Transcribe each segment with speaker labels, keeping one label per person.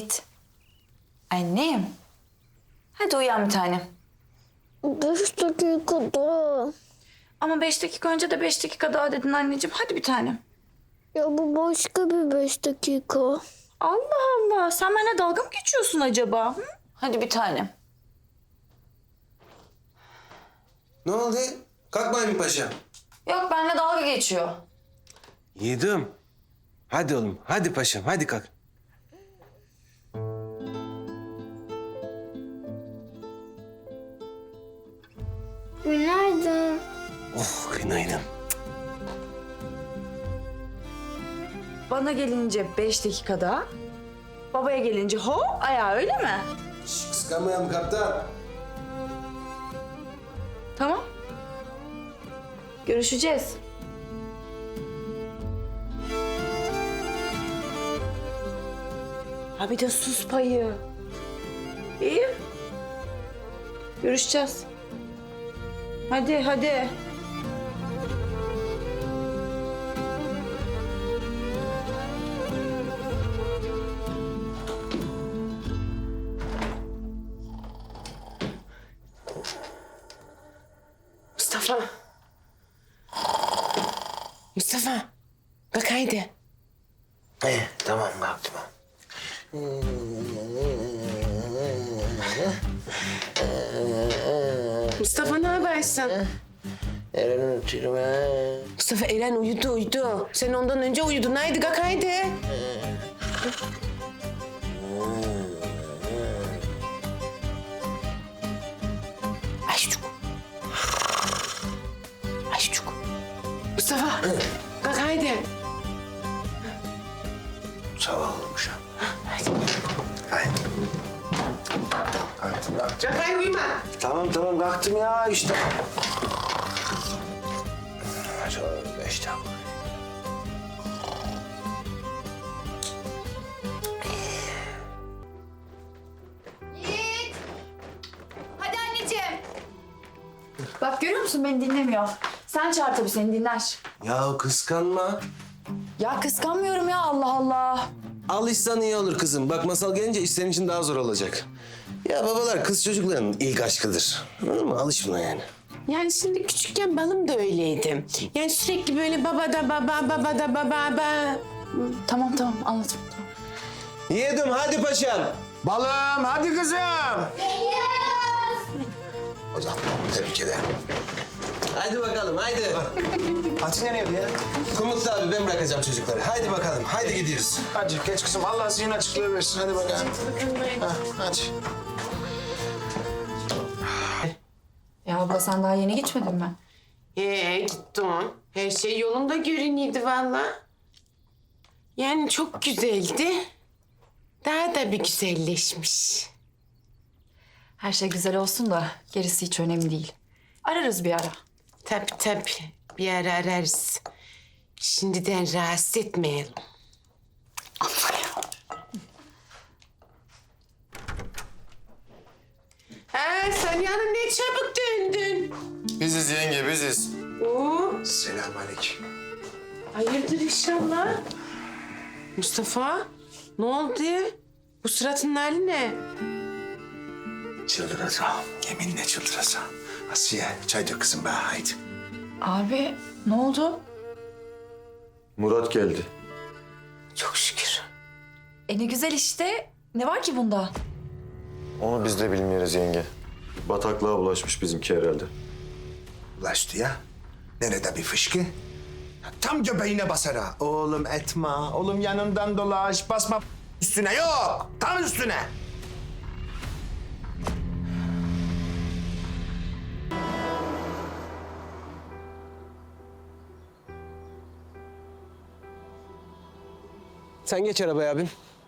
Speaker 1: Yiğit. Annem. Hadi uyan bir tanem.
Speaker 2: 5 dakika daha.
Speaker 1: Ama 5 dakika önce de 5 dakika daha dedin anneciğim. Hadi bir tanem.
Speaker 2: Ya bu başka bir 5 dakika.
Speaker 1: Allah Allah. Sen benimle dalga mı geçiyorsun acaba? Hı? Hadi bir tanem.
Speaker 3: Ne oldu? Kalkmayın mı paşa?
Speaker 1: Yok benimle dalga geçiyor.
Speaker 3: Yedim. Hadi oğlum, hadi paşam, hadi kalk.
Speaker 2: Günaydın.
Speaker 3: Oh, günaydın.
Speaker 1: Bana gelince 5 dakika daha. Babaya gelince hop ayağı öyle mi?
Speaker 3: Şş, kıskanmayalım kaptan.
Speaker 1: Tamam. Görüşeceğiz. Ha bir de sus payı. İyi. Görüşeceğiz. Hadi hadi.
Speaker 4: Mustafa. Mustafa. Bak haydi.
Speaker 3: Tamam kalktım.
Speaker 4: Mustafa ne habersin?
Speaker 3: Eren unutuyorum ha.
Speaker 4: Mustafa Eren uyudu. Sen ondan önce uyudun. Haydi kalk haydi. Ayşucuk. Ayşucuk. Mustafa. Kalk haydi.
Speaker 3: Sabah olmuş ha.
Speaker 4: Haydi.
Speaker 3: Haydi. Kalktım.
Speaker 4: Kalk haydi uyuma.
Speaker 3: Tamam kalktım ya işte. Hadi 5 dakika.
Speaker 1: Yiğit. Hadi anneciğim. Bak görüyor musun beni dinlemiyor. Sen çağır tabii seni dinler.
Speaker 3: Ya kıskanma.
Speaker 1: Ya kıskanmıyorum ya Allah Allah.
Speaker 3: Alışsan iyi olur kızım. Bak masal gelince iş senin için daha zor olacak. Ya babalar kız çocukların ilk aşkıdır. Anladın mı? Alış buna yani.
Speaker 4: Yani şimdi küçükken balım da öyleydi. Yani sürekli böyle baba da baba.
Speaker 1: Tamam anladım. Tamam.
Speaker 3: Yedim hadi paşam.
Speaker 5: Balım hadi kızım.
Speaker 3: O zaman tebrik ederim. Hadi bakalım haydi.
Speaker 5: Hadi nereye ya?
Speaker 3: Kumutlu abi ben bırakacağım çocukları. Haydi bakalım haydi gidiyoruz.
Speaker 5: Hadi geç kızım. Allah zihin açıklığı versin. Hadi bakalım. Hadi.
Speaker 1: Ya abla sen daha yeni gitmedin mi?
Speaker 4: Gittim. Her şey yolunda görünüyordu valla. Yani çok güzeldi. Daha da bir güzelleşmiş.
Speaker 1: Her şey güzel olsun da gerisi hiç önemli değil. Ararız bir ara.
Speaker 4: Tabii. Bir ara ararız. Şimdiden rahatsız etmeyelim. Ha, sen yani ne çabuk döndün.
Speaker 5: Biziz yenge biziz.
Speaker 4: Oo,
Speaker 5: Selamünaleyküm.
Speaker 4: hayırdır inşallah. Mustafa, ne oldu? Bu suratın hali ne?
Speaker 5: Çıldıracağım. Yeminle çıldıracağım. Asiye çay dök kızım be haydi.
Speaker 1: Abi ne oldu?
Speaker 6: Murat geldi.
Speaker 4: Çok şükür.
Speaker 1: Ne güzel işte. Ne var ki bunda?
Speaker 6: Onu biz de bilmiyoruz yenge. Bataklığa bulaşmış bizimki herhalde.
Speaker 5: Ulaştı ya. Nerede bir fışkı? Tam göbeğine basar ha. Oğlum etme. Oğlum yanından dolaş. Basma üstüne yok. Tam üstüne.
Speaker 3: Sen geç arabaya abim.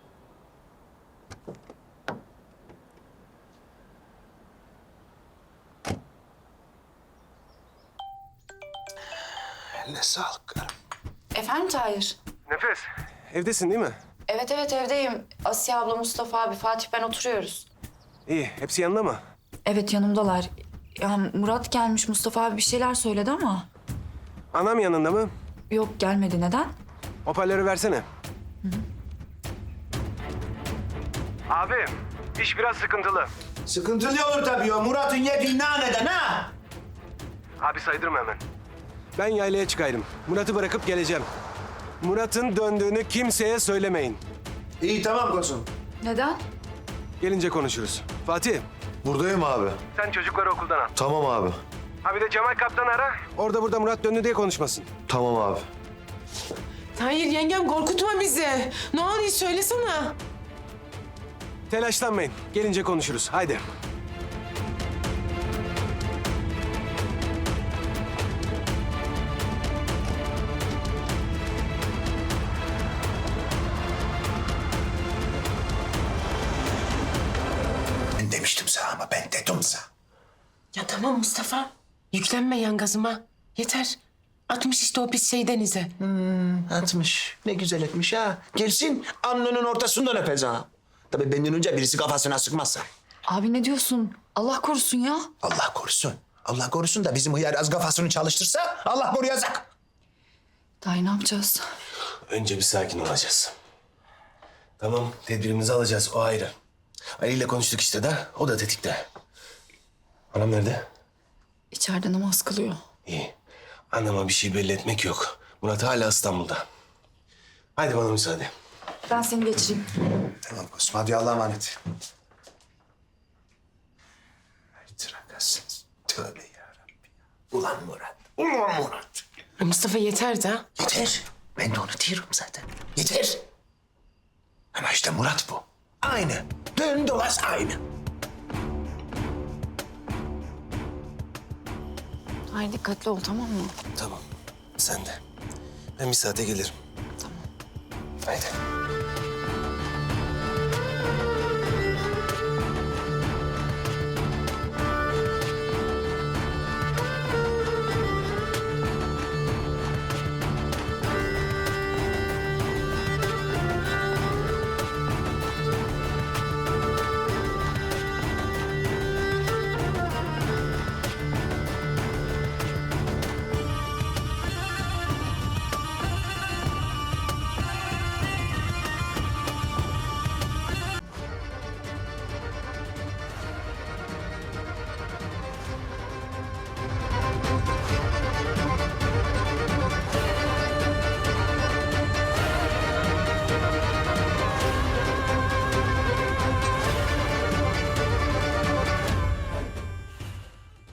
Speaker 5: Eline sağlık karım.
Speaker 1: Efendim Tahir?
Speaker 3: Nefes. Evdesin değil mi?
Speaker 1: Evet evdeyim. Asiye abla, Mustafa abi, Fatih ben oturuyoruz.
Speaker 3: İyi. Hepsi yanında mı?
Speaker 1: Evet yanımdalar. Ya Murat gelmiş, Mustafa abi bir şeyler söyledi ama...
Speaker 3: Anam yanında mı?
Speaker 1: Yok gelmedi. Neden?
Speaker 3: Hoparlörü versene. Abi, iş biraz sıkıntılı.
Speaker 5: Sıkıntılı olur tabii o Murat'ın yediği naneden ha.
Speaker 3: Abi saydırma hemen. Ben yaylaya çıkayım. Murat'ı bırakıp geleceğim. Murat'ın döndüğünü kimseye söylemeyin.
Speaker 5: İyi tamam Kosun.
Speaker 1: Neden?
Speaker 3: Gelince konuşuruz. Fatih.
Speaker 6: Buradayım abi.
Speaker 3: Sen çocukları okuldan al.
Speaker 6: Tamam abi.
Speaker 3: Ha bir de Cemal Kaptan ara. Orada burada Murat döndü diye konuşmasın.
Speaker 6: Tamam abi.
Speaker 4: Hayır yengem korkutma bizi. Ne oluyor söylesene.
Speaker 3: Telaşlanmayın. Gelince konuşuruz. Haydi.
Speaker 5: Ben demiştim sana ama ben dedim sana.
Speaker 4: Ya tamam Mustafa. Yüklenme yan gazıma. Yeter. Atmış işte o pis şey denize.
Speaker 5: Atmış. Ne güzel etmiş ha. Gelsin alnının ortasından öpez ha. Tabii benden önce birisi kafasına sıkmazsa.
Speaker 1: Abi ne diyorsun? Allah korusun ya.
Speaker 5: Allah korusun. Allah korusun da bizim hıyar az kafasını çalıştırsa Allah koruyacak.
Speaker 1: Daha ne yapacağız?
Speaker 3: Önce bir sakin olacağız. Tamam, tedbirimizi alacağız. O ayrı. Ali ile konuştuk işte de. O da tetikte. Anam nerede?
Speaker 1: İçeride namaz kılıyor.
Speaker 3: İyi. Anneme bir şey belli etmek yok. Murat hala İstanbul'da. Haydi bana müsaade.
Speaker 1: Ben seni geçireyim.
Speaker 5: Tamam Kosum hadi Allah'a emanet. Ay trakasınız. Tövbe yarabbim. Ulan Murat. Ulan Murat.
Speaker 4: Mustafa yeter de.
Speaker 5: Yeter. Ben de onu diyorum zaten. Yeter. Ama işte Murat bu. Aynı. Dön dolaş aynı.
Speaker 1: Hayır dikkatli ol tamam mı?
Speaker 3: Tamam. Sen de. Ben bir saate gelirim.
Speaker 1: Tamam.
Speaker 3: Haydi.